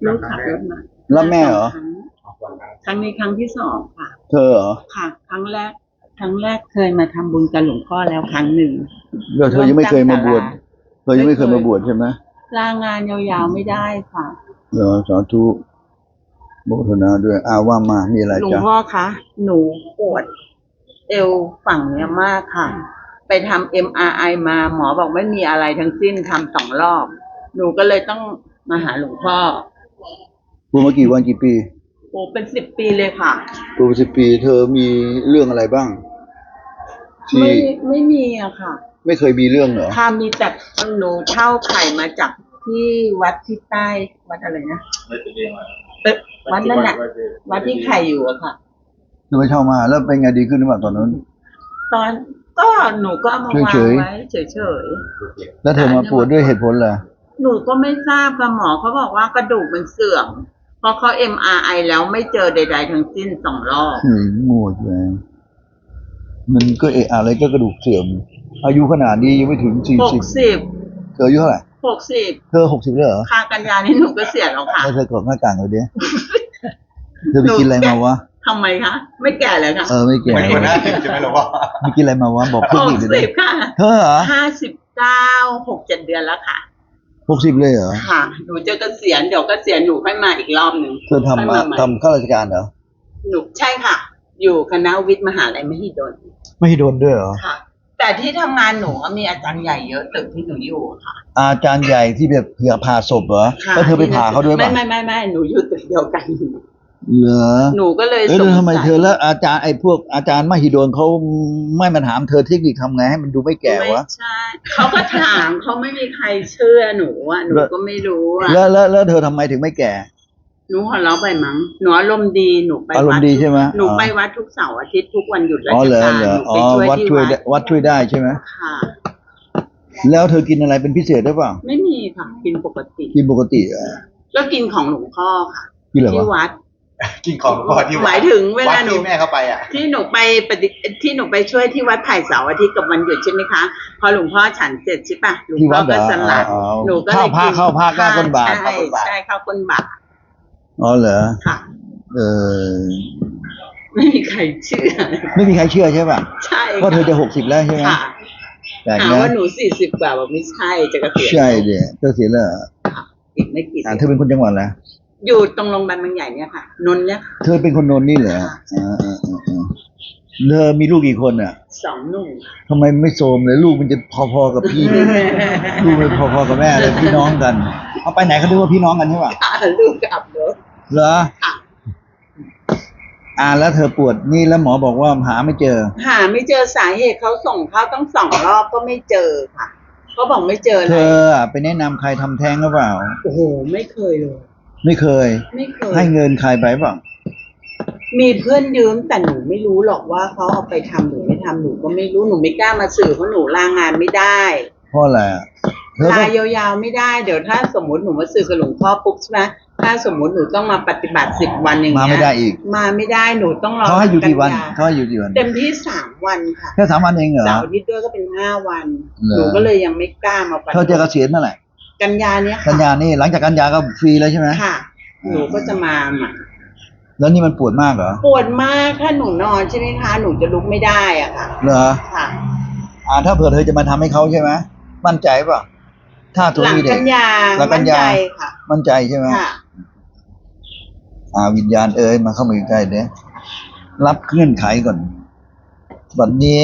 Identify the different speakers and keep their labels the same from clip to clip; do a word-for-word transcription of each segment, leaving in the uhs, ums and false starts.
Speaker 1: ลูกขับรถมา
Speaker 2: แล้วแม่เหรอ
Speaker 1: ครั้งนี้ครั้งที่สองค่ะ
Speaker 2: เธอเหรอ
Speaker 1: ค่ะ ครั้งแรก ครั้งแรกเคยมาทำบุญกับหลวงพ่อแล้วครั้งหนึ่ง
Speaker 2: เดี๋ยวเธอยังไม่เคยมาบวชเธอยังไม่เคยมาบวชใช่ไหม
Speaker 1: ลางานยาวๆไม่ได้ค่ะ
Speaker 2: เหรอสาธุโมทนาด้วยอาว่ามามีอะไร
Speaker 1: หลวง
Speaker 2: จ๊ะ
Speaker 1: พ่อคะหนูปวดเอวฝั่งเนี้ยมากค่ะ ไปทำ เอ็ม อาร์ ไอ มาหมอบอกไม่มีอะไรทั้งสิ้นทำสองรอบ หนูก็เลยต้องมาหาหลวงพ่อ
Speaker 2: บวชมากี่วันกี่ปี
Speaker 1: โอ้เป็นสิบปีเลยค่ะ
Speaker 2: บวชสิบปี เธอมีเรื่องอะไรบ้างที่
Speaker 1: ไม่ไม่มีอะค่ะ
Speaker 2: ไม่เคยมีเรื่องเหรอ
Speaker 1: ค่ะมีแต่หนูเช่าไข่มาจากที่วัดที่ใต้วัดอะไรนะเอ๊ะวัดนั่นแหละวัดที่ไข่อยู่อะค่ะ
Speaker 2: เธอไปเช่ามาแล้วเป็นไงดีขึ้นหรือเปล่าตอนนั้น
Speaker 1: ตอนก็หนูก็เอามาวาง
Speaker 2: เฉยๆ
Speaker 1: ไว้เฉย
Speaker 2: แล้วเธอมาปวดด้วยเหตุผลอะไร
Speaker 1: ๆหนูก็ไม่ทราบค่ะหมอเขาบอกว่ากระดูกมันเสื่อมพอเขา เอ็ม อาร์ ไอ แล้วไม่เจอใดๆทั้งสิ้นสองรอบ
Speaker 2: หืมโง่แรงมันก็เอะอะไรก็กระดูกเสื่อม อายุขนาดนี้ยังไม่ถึงสี่
Speaker 1: ห
Speaker 2: สิ
Speaker 1: ก
Speaker 2: บ
Speaker 1: สิบ
Speaker 2: เธออายุเท่าไหร่
Speaker 1: หกสิบ
Speaker 2: เธอหกสิบแล้วเหรอ
Speaker 1: ค่ากันยานี่หนูก็เสียแล้วค่ะ
Speaker 2: แล้วเธอกดหน้าต่างเลยเดียเธอไปกินอะไรมาวะ
Speaker 1: ทำไมคะ ไม่แก่เลยค่ะ
Speaker 2: เออไม่แก่
Speaker 3: ไม่ควรน่าติดใช่ไหมหรอวะ
Speaker 2: ไปกินอะไรมาวะบอก
Speaker 1: ห
Speaker 2: เพื่อน
Speaker 1: ก
Speaker 2: อีกเดี๋ยว
Speaker 1: สิ
Speaker 2: นี้
Speaker 1: บค่ะ
Speaker 2: เธอเหรอ
Speaker 1: ห้าสิบเก้าหกเจ็ดเดือนแล้วค่ะ
Speaker 2: หกสิบเลยเหรอ
Speaker 1: ค่ะ หนูจะเกษียณเดี๋ยวเกษียณหนูค่อยมาอีกรอบหนึ่ง
Speaker 2: เธอทำ
Speaker 1: ค่อย
Speaker 2: มา
Speaker 1: ใหม่
Speaker 2: ทำข้าราชการเหรอ
Speaker 1: หนูใช่ค่ะ อยู่คณะวิทย์มหาลัยมหิดล
Speaker 2: ไม่โดนด้วยเหรอ
Speaker 1: ค่ะ แต่ที่ทำงานหนูมีอาจารย์ใหญ่เยอะตึกที่หนูอยู่ค่ะ
Speaker 2: อาจารย์ใหญ่ที่แบบเผื่อผ่าศพเหรอ
Speaker 1: ค่ะ
Speaker 2: แล้วเธอไปผ่าเขาด้วย
Speaker 1: ไม่
Speaker 2: ป่ะ
Speaker 1: ไม่ไม่ไม่หนูอยู่ตึกเดียวกัน
Speaker 2: เหรอ
Speaker 1: หนูก็เลย
Speaker 2: เอ้ย
Speaker 1: สง
Speaker 2: แล้วทำไม
Speaker 1: สัย
Speaker 2: เธอแล้วอาจารย์ไอ้พวกอาจารย์มหิดลเขาไม่มาถามเธอเทคนิคทำไงให้มันดูไม่แก่วะ
Speaker 1: ไม่ใช่เขาก็ถามเขาไม่มีใครเชื่อหนูอ่ะหนูก็ไม่รู้อ่ะ
Speaker 2: แล้วแล้วแล้วเธอทำไมถึงไม่แก่
Speaker 1: หนูหัวเราะไปมั้งหนูอารมณ์ดีหนูไป
Speaker 2: อารมณ์ดีใช่ไหม
Speaker 1: หนู
Speaker 2: อ๋อ
Speaker 1: ไปวัดทุกเสาร์อาทิตย์ทุกวันหยุดรา
Speaker 2: อ๋อ
Speaker 1: ช
Speaker 2: เหรอ
Speaker 1: การ
Speaker 2: เหร
Speaker 1: ห
Speaker 2: อ
Speaker 1: นู
Speaker 2: อ๋อ
Speaker 1: ไปช่วย
Speaker 2: วัด
Speaker 1: ที่
Speaker 2: ช่วย
Speaker 1: วั
Speaker 2: ได้
Speaker 1: ด
Speaker 2: วัดช่วยได้ใช่ไหม
Speaker 1: ค่ะ
Speaker 2: แล้วเธอกินอะไรเป็นพิเศษได้เปล่า
Speaker 1: ไม่มีค่ะกินปกติ
Speaker 2: กินปกติเหรอ
Speaker 1: ก็กินของหลวงพ่อค่ะ
Speaker 2: กินอะไร
Speaker 1: ที่
Speaker 2: วะ
Speaker 1: วัด
Speaker 3: กินของพ่อที่
Speaker 1: หมายถึงเวลา
Speaker 3: วัด
Speaker 1: หนู
Speaker 3: ที่แม่เข้าไปอ่ะ
Speaker 1: ที่หนูไปปฏิที่หนูไปช่วยที่วัดไผ่เสาร์อาทิตย์กับวันหยุดใช่ไหมคะพอหลวงพ่อฉันเสร็จใช่ปะหลวง
Speaker 2: ที่
Speaker 1: พ่
Speaker 2: วั
Speaker 1: อ
Speaker 2: ดเหร
Speaker 1: ก็
Speaker 2: อ
Speaker 1: สลัด
Speaker 2: อ๋อ
Speaker 1: หนูก็เลย
Speaker 2: เข้าผ้า
Speaker 1: กิน
Speaker 2: เข้าผ้าก้าวก้นบาท
Speaker 1: ใช่ใช่เข้าก้นบาท
Speaker 2: อ๋อเหรอ
Speaker 1: ค่ะ
Speaker 2: เออ
Speaker 1: ไม่มีใครเชื่อ
Speaker 2: ไม่มีใครเชื่อใช่ป่ะ
Speaker 1: ใช่
Speaker 2: เพราะเธอจะหกสิบแล้วใช่ไหม
Speaker 1: ค่ะ
Speaker 2: แปลก
Speaker 1: หา
Speaker 2: นะ
Speaker 1: ว่าหนูสี่สิบกว่าบอกไม่ใช่จะเกษียณ
Speaker 2: ใช่เดี๋ยก็เสียแล้วเหรอ
Speaker 1: อีกไม่กี่
Speaker 2: อ่า
Speaker 1: เดือน
Speaker 2: เธอเป็นคนจังหวัดอะไร
Speaker 1: อยู่ตรงโรงพยาบาลบางใหญ่เนี่ยค่ะ นนท์เนี่ยค่ะ
Speaker 2: เธอเป็นคนนนท์นี่เหรออ่าอ่าอ่าอ่าเธอมีลูกกี่คนอ่ะ
Speaker 1: สองหนุ่ม
Speaker 2: ทำไมไม่โสมเลยลูกมันจะพอๆกับพี่ ลูกมันพอๆกับแม่เลยพี่น้องกัน เอาไปไหนเขาดูว่าพี่น้องกันใช่ป่ะ
Speaker 1: ค่ะลูกกับรถ
Speaker 2: เหรอ
Speaker 1: ค่ะ
Speaker 2: อ่าแล้วเธอปวดนี่แล้วหมอบอกว่าหาไม่เจอ
Speaker 1: หาไม่เจอสาเหตุเขาส่งเขาต้องสองรอบก็ไม่เจอค่ะเขาบอกไม่เจออะ
Speaker 2: เธ
Speaker 1: ไร
Speaker 2: ออ่ะไปแนะนำใครทำแท้งหรือเปล่า
Speaker 1: โอ้โหไม่เคยเลย
Speaker 2: ไม่เคย
Speaker 1: ไม่เคย
Speaker 2: ให้เงินใครไปเปล่า
Speaker 1: มีเพื่อนยืมแต่หนูไม่รู้หรอกว่าเขาเอาไปทำหรือไม่ทำหนูก็ไม่รู้หนูไม่กล้ามาสื่อเพราะหนูลางานไม่ได้
Speaker 2: เพราะอะไรอ่ะเธอ
Speaker 1: ลา
Speaker 2: ก็
Speaker 1: ยาวๆไม่ได้เดี๋ยวถ้าสมมติหนูมาสื่อกับหลวงพ่อปุ๊บใช่ไหมถ้าสมมติหนูต้องมาปฏิบัติสิบวันอย่างเงี้ย
Speaker 2: มาไม่ได้อีก
Speaker 1: มาไม่ได้หนูต้องรอ
Speaker 2: เขาให้อยู่กี่วัน
Speaker 1: กัย
Speaker 2: เขาให้อยู่กี่วัน
Speaker 1: เต็มที่สามวันค่ะ
Speaker 2: แค่สามวันเองเหรอ
Speaker 1: เสาร์อาทิตย์ด้วยก็เป็นห้าวัน
Speaker 2: เหรอ
Speaker 1: หนูก็เลยยังไม่กล้ามาปฏิ
Speaker 2: เธอ
Speaker 1: บัติ
Speaker 2: จะเกษียณเมื่อไหร่
Speaker 1: กันยาเนี้ย
Speaker 2: กั
Speaker 1: ค่ะ
Speaker 2: นยานี่หลังจากกันยาก็ฟรีแล้วใช่ไหม
Speaker 1: ค่ะ หนูก็จะมาใหม่
Speaker 2: แล้วนี่มันปวดมากเหรอ
Speaker 1: ปวดมากถ้าหนูนอนใช่ไหมคะหนูจะลุกไม่ได้อ่ะค่ะ
Speaker 2: เหรอ
Speaker 1: ค่ะ
Speaker 2: อ่าถ้าเผื่อเธอจะมาทำให้เขาใช่ไหมมั่นใจเปล่ะถ้าตัว
Speaker 1: หลัง
Speaker 2: นี้เด็
Speaker 1: กั
Speaker 2: ก
Speaker 1: นยา
Speaker 2: หลังกันยา
Speaker 1: มั่ใจค่ะ
Speaker 2: มั่นใจใช่ไหม
Speaker 1: ค่ะ
Speaker 2: อ่าวิญญาณเอ๋ยมาเข้ามาใกล้ๆเด้รับเงื่อนไขก่อนบัดนี้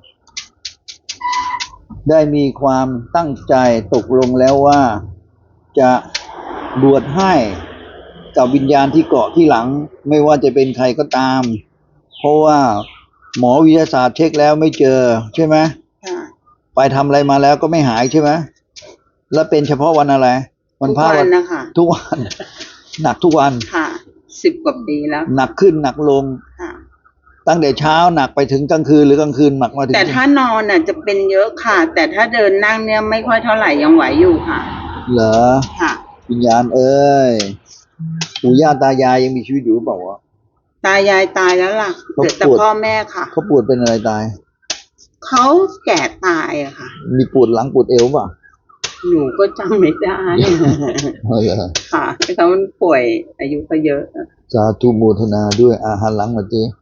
Speaker 2: ได้มีความตั้งใจตกลงแล้วว่าจะบวชให้กับวิญญาณที่เกาะที่หลัง ไม่ว่าจะเป็นใครก็ตาม เพราะว่าหมอวิทยาศาสตร์เช็คแล้วไม่เจอใช่ไหม
Speaker 1: ค่ะ
Speaker 2: ไปทำอะไรมาแล้วก็ไม่หายใช่ไหมแล้วเป็นเฉพาะวันอะไรวันพระ
Speaker 1: ทุกวันนะคะ
Speaker 2: ทุกวัน หนักทุกวัน
Speaker 1: ค่ะสิบกว่าปีแล้ว
Speaker 2: หนักขึ้นหนักลง
Speaker 1: ค่ะ
Speaker 2: ตั้งแต่เช้าหนักไปถึงกลางคืนหรือกลางคืนหนักมาถึง
Speaker 1: แต่ถ้านอนน่ะจะเป็นเยอะค่ะ แต่ถ้าเดินนั่งเนี่ยไม่ค่อยเท่าไหร่ยังไหวอยู่ค่ะ
Speaker 2: เหรอ
Speaker 1: ค่ะ
Speaker 2: วิญญาณเอ้ยปู่ย่าตายายยังมีชีวิตอยู่หรือเปล่าวะ
Speaker 1: ตายายตายแล้วล่ะเหลือแต่
Speaker 2: เขาปวด
Speaker 1: พ่อแม่ค่ะ
Speaker 2: เขาปวดเป็นอะไรตาย
Speaker 1: เขาแก่ตายอะค่ะ
Speaker 2: มีปวดหลังปวดเอวเปล่ะ
Speaker 1: หนูก็จำไม่ได้
Speaker 2: เออเหรอ
Speaker 1: ค่ะเขาป่วยอายุก็เยอะ
Speaker 2: สาธุโมทนาด้วยอาหารหลังมาจี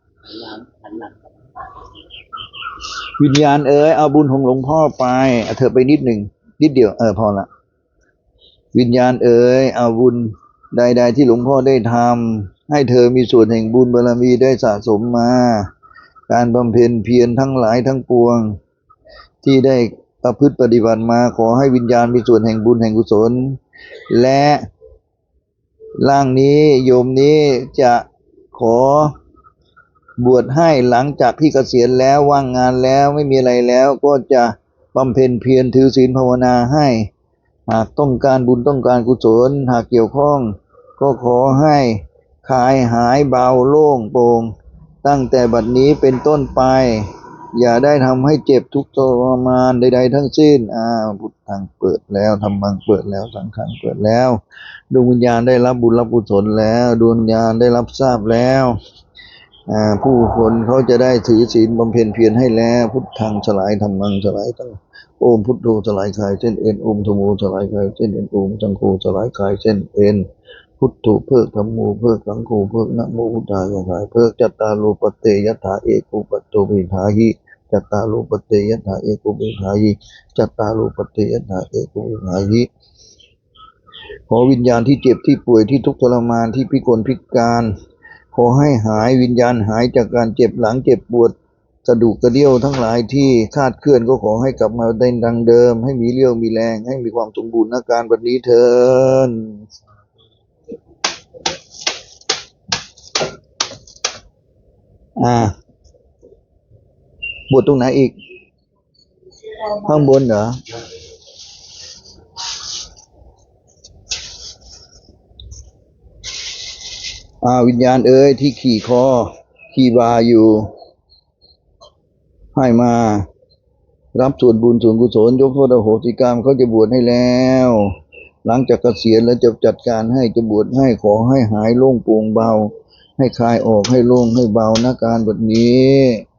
Speaker 2: วิญญาณเอ๋ยเอาบุญของหลวงพ่อไปเอาเธอไปนิดหนึ่งนิดเดียวเออพอละวิญญาณเอ๋ยเอาบุญใดๆที่หลวงพ่อได้ทำให้เธอมีส่วนแห่งบุญบารมีได้สะสมมาการบำเพ็ญเพียรทั้งหลายทั้งปวงที่ได้ประพฤติปฏิบัติมาขอให้วิญญาณมีส่วนแห่งบุญแห่งกุศลและร่างนี้โยมนี้จะขอบวชให้หลังจากที่เกษียณแล้วว่างงานแล้วไม่มีอะไรแล้วก็จะบำเพ็ญเพียรถือศีลภาวนาให้หากต้องการบุญต้องการกุศลหากเกี่ยวข้องก็ขอให้คลายหายเบาโล่งโปร่งตั้งแต่บัดนี้เป็นต้นไปอย่าได้ทำให้เจ็บทุกข์ทรมานใดๆทั้งสิ้นอ่าพุทธังเปิดแล้วธรรมังเปิดแล้วสังฆังเปิดแล้วดวงวิญญาณได้รับบุญรับกุศลแล้วดวงวิญญาณได้รับทราบแล้วอ่าผู้คนเขาจะได้ถือศีลบำเพ็ญเพียรให้แล้วพุทธังสลายธรรมังสลายทั้งโอมพุทโธสลายกายเส้นเอ็นโอมธัมโมสลายกายเส้นเอ็นโอมสังโฆสลายกายเส้นเอ็นพุทโธเพิกธัมโมเพิกสังโฆเพิกนะโมพุทธายะหายเพิกจัตตาโลปเตยถาเอกุปตโตวิภาหิจัตตาโลปเตยถาเอกุวิภาหิจัตตาโลปเตยถาเอกุวิภาหิขอวิญญาณที่เจ็บที่ป่วยที่ทุกข์ทรมานที่พิกลพิการขอให้หายวิญญาณหายจากการเจ็บหลังเจ็บปวดกระดูกกระเดี่ยวทั้งหลายที่คลาดเคลื่อนก็ขอให้กลับมาได้ดังเดิมให้มีเรี่ยวมีแรงให้มีความสมบูรณ์อาการแบบนี้เถิดอ่าบวชตรงไหนอีกข้างบนเหรออ่าวิญญาณเอ้ยที่ขี่คอขี่บาอยู่ให้มารับส่วนบุญส่วนกุศลยกโทษอโหสิกรรมเขาจะบวชให้แล้วหลังจากเกษียณแล้วจะจัดการให้จะบวชให้ขอให้หายโล่งโปร่งเบาให้คลายออกให้โล่งให้เบานะการแบบนี้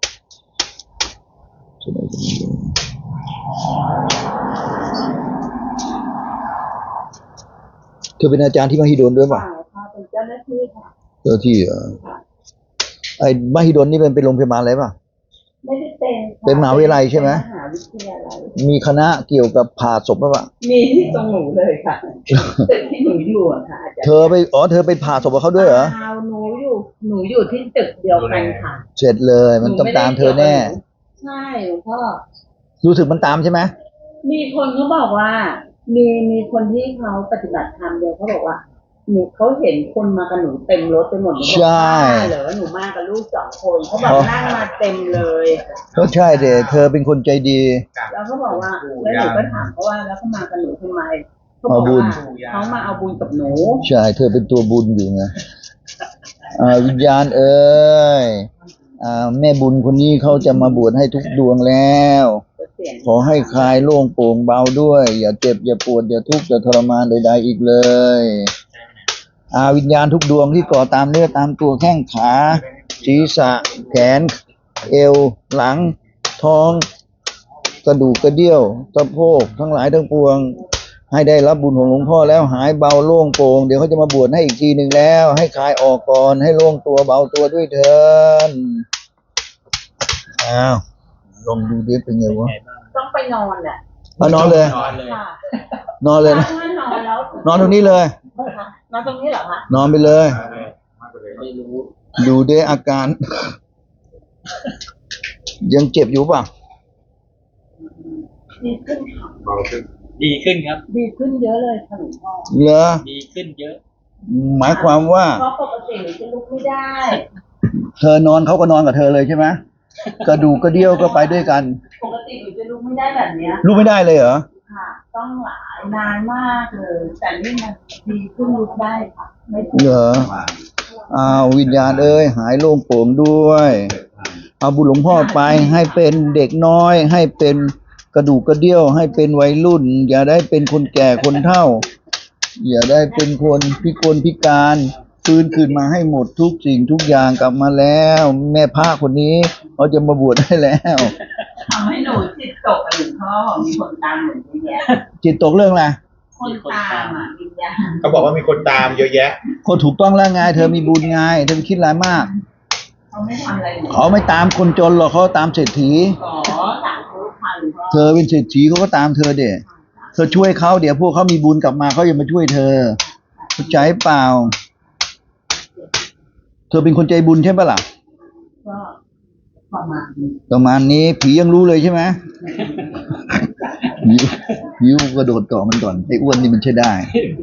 Speaker 2: เธอเป็นอาจารย์ที่มหิดลด้วยป่ะ
Speaker 1: ค่ะเป็นเจ้าหน้าที่ค่ะ
Speaker 2: เจ้าที่เหรอไอ้มหิดลนี่เป็นเป็นโรงพยาบาลอะไรป่ะ
Speaker 1: ไม่ได้เป็นค่ะ
Speaker 2: เป็นมหาวิทยาลัยใช่ไหม
Speaker 1: เป็นมหาวิทยาลัย
Speaker 2: มีคณะเกี่ยวกับผ่าศพป่ะป่ะ
Speaker 1: มีที่ตรงหนูเลยค่ะตึกที่หนูอยู่อะค่ะอาจารย์
Speaker 2: เธอไปอ๋อเธอไปผ่าศพกับเขาด้วยเหรอ
Speaker 1: เปล่าหนูอยู่หนูอยู่ที่ตึกเดียวกันค่ะ
Speaker 2: เสร็จเลยมันต้องตามเธอแน่
Speaker 1: ใช่หลวงพ่อ
Speaker 2: รู้สึกมันตามใช่ไหม
Speaker 1: มีคนเขาบอกว่า มีมีคนที่เขาปฏิบัติธรรมเดียวเขาบอกว่าหนูเขาเห็นคนมากับหนูเต็มรถไปหมดหนูบอก
Speaker 2: ใช่
Speaker 1: บ้าเหรอหนูมากับลูกสองคนเขาบอกนั่งมาเต็มเลย
Speaker 2: ก็ใช่เด็เธอเป็นคนใจดี
Speaker 1: แล้วเขาบอกว่าแล้วหนูก็ถามเขาว่าแล้วเขามากับหนูทำไมเขาบอก
Speaker 2: เอาบุญ
Speaker 1: ว่าเขามาเอาบุญกับหนู
Speaker 2: ใช่เธอเป็นตัวบุญอยู่ไงอ่าวิญญาณเอ้ยอ่าแม่บุญคนนี้เขาจะมาบวชให้ทุกดวงแล้ว ขอให้คลายโล่งโปร่งเบาด้วย อย่าเจ็บอย่าปวดอย่าทุกข์อย่าทรมานใดๆอีกเลยอาวิญญาณทุกดวงที่ก่อตามเนื้อตามตัวแข้งขาศีรษะแขนเอวหลังท้องกระดูกกระเดี่ยวสะโพกทั้งหลายทั้งปวงให้ได้รับบุญของหลวงพ่อแล้วหายเบาโล่งโปร่งเดี๋ยวเขาจะมาบวชให้อีกทีหนึ่งแล้วให้คลายออกก่อนให้โล่งตัวเบาตัวด้วยเถินอ้าวลองดูดิเป็นไงวะ
Speaker 1: ต้องไปนอนแหละ
Speaker 2: มานอนเลย
Speaker 3: นอนเลย
Speaker 1: ค่ะ
Speaker 2: นอนเลยนะ
Speaker 1: ถ้านอนแล้ว
Speaker 2: นอนตรงนี้เลย
Speaker 1: นอนตรงนี้เหรอคะ
Speaker 2: นอนไปเลย
Speaker 3: ไม่รู้
Speaker 2: ดูดิอาการ ยังเจ็บอยู่ป่ะ
Speaker 1: ดีขึ้นค่ะ
Speaker 3: เบาขึ้น
Speaker 4: ดีขึ้นครับ
Speaker 1: ดีขึ้นเยอะเลยค่ะหลวงพ่อ
Speaker 2: เหรอ
Speaker 4: ดีขึ้นเยอะ
Speaker 2: หมายความว่า
Speaker 1: เพราะปกติหนูจะลุกไม่ได้
Speaker 2: เธอนอนเขาก็นอนกับเธอเลยใช่ไหมกระดูกกระเดี่ยวก็ไปด้วยกัน
Speaker 1: ปกติหนูจะลุกไม่ได้แบบเนี้ย
Speaker 2: รู้ไม่ได้เลยเหรอ
Speaker 1: ค่ะ ต้องหลายนานมากเลย แต่นี่มันดีขึ้นลุกได้ค่ะ ไม่
Speaker 2: เหรออ้าววิญญาณเอ้ยหายโล่งโปร่งด้วย เอาบุญหลวงพ่อไปให้เป็นเด็กน้อย ให้เป็นกระดูกกระเดี่ยว ให้เป็นวัยรุ่น อย่าได้เป็นคนแก่คนเฒ่า อย่าได้เป็นคนพิกลพิการฟื้นคืนมาให้หมดทุกสิ่งทุกอย่างกลับมาแล้ว แม่พระคนนี้เขาจะมาบวชให้แล้ว
Speaker 1: เอาำให้หนูจิตตกกับหลวงพ่อมีคนตามหนูเยอะแยะ
Speaker 2: จิตตกเรื่องอะไร
Speaker 1: คนตามอ่ะวิญญาณ
Speaker 3: เขาบอกว่ามีคนตามเยอะแยะ
Speaker 2: คนถูกต้องแล้วไงเธอมีบุญไงเธอไปคิดอะไรมาก
Speaker 1: เขาไม่ทำอะไรหนู
Speaker 2: เขาไม่ตามคนจนหรอกเขาตามเศรษฐี
Speaker 1: ขอสาธุค่ะหลวงพ่อ
Speaker 2: เธอเป็นเศรษฐีเขาก็ตามเธอเด็เธอช่วยเขาเดี๋ยวพวกเขามีบุญกลับมาเขาจะมาช่วยเธอเข้าใจเปล่า เธอเป็นคนใจบุญใช่ปะล่ะ
Speaker 1: ก็ประมาณนี้
Speaker 2: ประมาณนี้ผียังรู้เลยใช่ไหมผีผีกระโดดเกาะมันก่อนไอ้อ้วนนี่มันใช่ได้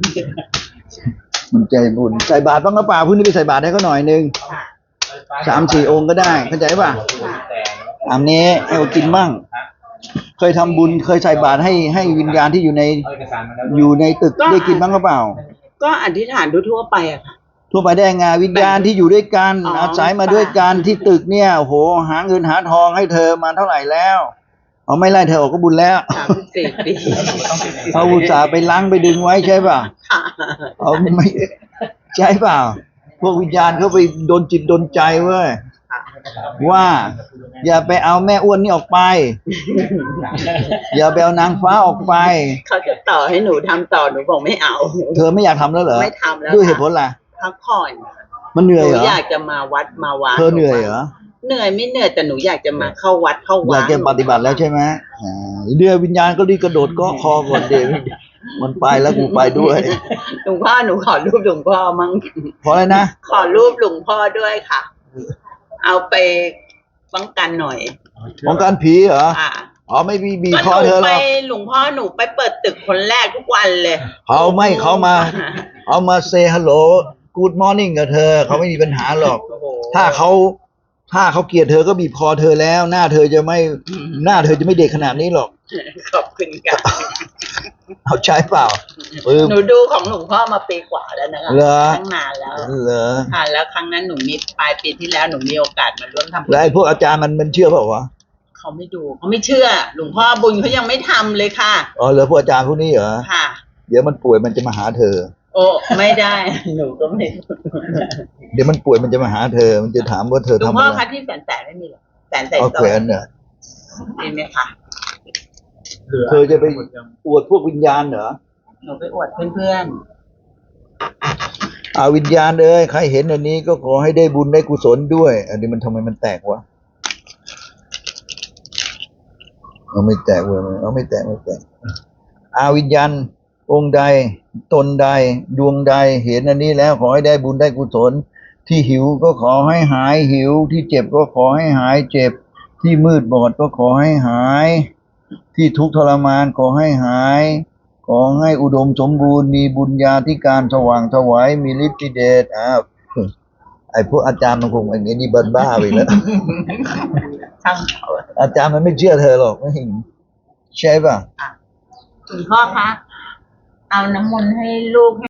Speaker 2: มันใจบุญใส่บาตรบ้างหรือเปล่าพรุ่งนี้ไปใส่บาตรให้เขาหน่อยนึงสามสี่องค์ก็ได้เข้าใจป่ะอันนี้ให้เขากินบ้างเคยทำบุญเคยใส่บาตรให้ให้วิญญาณที่อยู่ในอยู่ในตึกได้กินบ้างหรือเปล่า
Speaker 1: ก็อธิษฐานทั่วๆไปอะค่ะ
Speaker 2: ทั่วไปได้ไงวิญญาณที่อยู่ด้วยกัน
Speaker 1: อ๋ออ
Speaker 2: อาศัยมาด้วยกันที่ตึกเนี่ยโอ้โหหาเงินหาทองให้เธอมาเท่าไหร่แล้วเอาไม่ไล่เธอออกก็บุญแล้ว
Speaker 1: สามสิบสี่ปี
Speaker 2: เอาอุตส่าห์ไปล้างไปดึงไว้ใช่ป่ะ
Speaker 1: ค่ะ
Speaker 2: เอาไม่ใช่เปล่าพวกวิญญาณเขาไปโดนจิตโดนใจเว้ยว่า อย่าไปเอาแม่อ้วนนี่ออกไป อย่าไปเอานางฟ้าออกไป
Speaker 1: เขาจะต่อให้หนูทำต่อหนูบอกไม่เอา
Speaker 2: เธอไม่อยากทำแล้วเหรอ
Speaker 1: ไม่ทำแล้ว
Speaker 2: ด้วยเห
Speaker 1: ค่ะ
Speaker 2: ตุผลอะไร
Speaker 1: พักผ่อน
Speaker 2: มันเหนื่
Speaker 1: ห
Speaker 2: อย
Speaker 1: นู
Speaker 2: เหรอ
Speaker 1: อยากจะมาวัดมาวา
Speaker 2: เธอเหนื่อยเหรอ
Speaker 1: เหนื่อยไม่เหนื่อยแต่หนูอยากจะมาเข้าวัดเข้า
Speaker 2: อ
Speaker 1: วั
Speaker 2: ยา
Speaker 1: ด
Speaker 2: กจะปฏิบัติแล้วใช่ไหมอ่าเดี๋ยววิญญาณก็รีบกระโดดเก็คอก่อนเดี๋ยวมันไปแล้วกูไปด้วย
Speaker 1: หลวงพ่อหนูขอรูปหลวงพ่อมั่ง
Speaker 2: เพราะอะไรนะ
Speaker 1: ขอรูปหลวงพ่อด้วยค่ะ เอาไปป้องกันหน่อย
Speaker 2: ของการผีเหรอ
Speaker 1: อ่ะ
Speaker 2: อ๋อไม่มีบีบ
Speaker 1: ก็
Speaker 2: คอ
Speaker 1: หนู
Speaker 2: เธอหร
Speaker 1: ไป
Speaker 2: อก
Speaker 1: หลวงพ่อหนูไปเปิดตึกคนแรกทุกวันเลย
Speaker 2: เขาไม่เขามา เอามาเซฮัลโหลกูดมอร์นิ่งกับเธอเขาไม่มีปัญหาหรอก
Speaker 1: โอ้โห
Speaker 2: ถ้าเขาถ้าเขาเกลียดเธอก็บีบคอเธอแล้ว หน้าเธอจะไม่หน้าเธอจะไม่เด็กขนาดนี้หรอก
Speaker 1: ขอบคุณค่ะ
Speaker 2: เอาใช้เปล่าเออ
Speaker 1: หนูดูของหลวงพ่อมาปีกว่าแล้วนะคะ
Speaker 2: เหรอ
Speaker 1: ตั้งนานแล้ว
Speaker 2: เหรอ
Speaker 1: ค่ะแล้วครั้งนั้นหนูมีปลายปีที่แล้วหนูมีโอกาสมาร่วมทำบุญ
Speaker 2: แล้วไอ้พวกอาจารย์มันมันเชื่อเปล่าวะ
Speaker 1: เขาไม่ดูเขาไม่เชื่อ หลวงพ่อบุญเขายังไม่ทำเลยค่ะ
Speaker 2: อ๋อเหรอพวกอาจารย์พวกนี้เหรอ
Speaker 1: ค่ะ
Speaker 2: เดี๋ยวมันป่วยมันจะมาหาเธอ
Speaker 1: โอ้ไม่ได้ หนูก็ไม่
Speaker 2: เดี๋ยวมันป่วยมันจะมาหาเธอ มันจะถามว่าเธอ
Speaker 1: หลวง
Speaker 2: ทำ
Speaker 1: พ่อ
Speaker 2: อะไร
Speaker 1: คะที่แสนแสนไม่มีหรอแสนใส่
Speaker 2: เอา
Speaker 1: ซอ
Speaker 2: แขวนเนี่ย
Speaker 1: มีไหมคะ
Speaker 2: เธอจะไปอวดพวกวิญญาณเหรอ
Speaker 1: หนูไปอวดเพื่อน
Speaker 2: อาวิญญาณเอ้ยใครเห็นอันนี้ก็ขอให้ได้บุญได้กุศลด้วย อันนี้มันทำไมมันแตกวะเอาไม่แตกเว้ยเอาไม่แตกไม่แตกอาวิญญาณองค์ใดตนใดดวงใดเห็นอันนี้แล้วขอให้ได้บุญได้กุศลที่หิวก็ขอให้หายหิว ที่เจ็บก็ขอให้หายเจ็บ ที่มืดบอดก็ขอให้หาย ที่ทุกข์ทรมานขอให้หาย ขอให้อุดมสมบูรณ์มีบุญญาธิการสว่างไสวายมีฤทธิเดชอ้าวไอ้พวกอาจารย์มันคงไอ้นี่บ้าบ้าไปแล้ว
Speaker 1: ๆช่างเขา
Speaker 2: อาจารย์มันไม่เชื่อเธอหรอกไม่เห็นใช่ป่ะ
Speaker 1: หลวงพ่อคะเอาน้ำมนต์ให้ลูก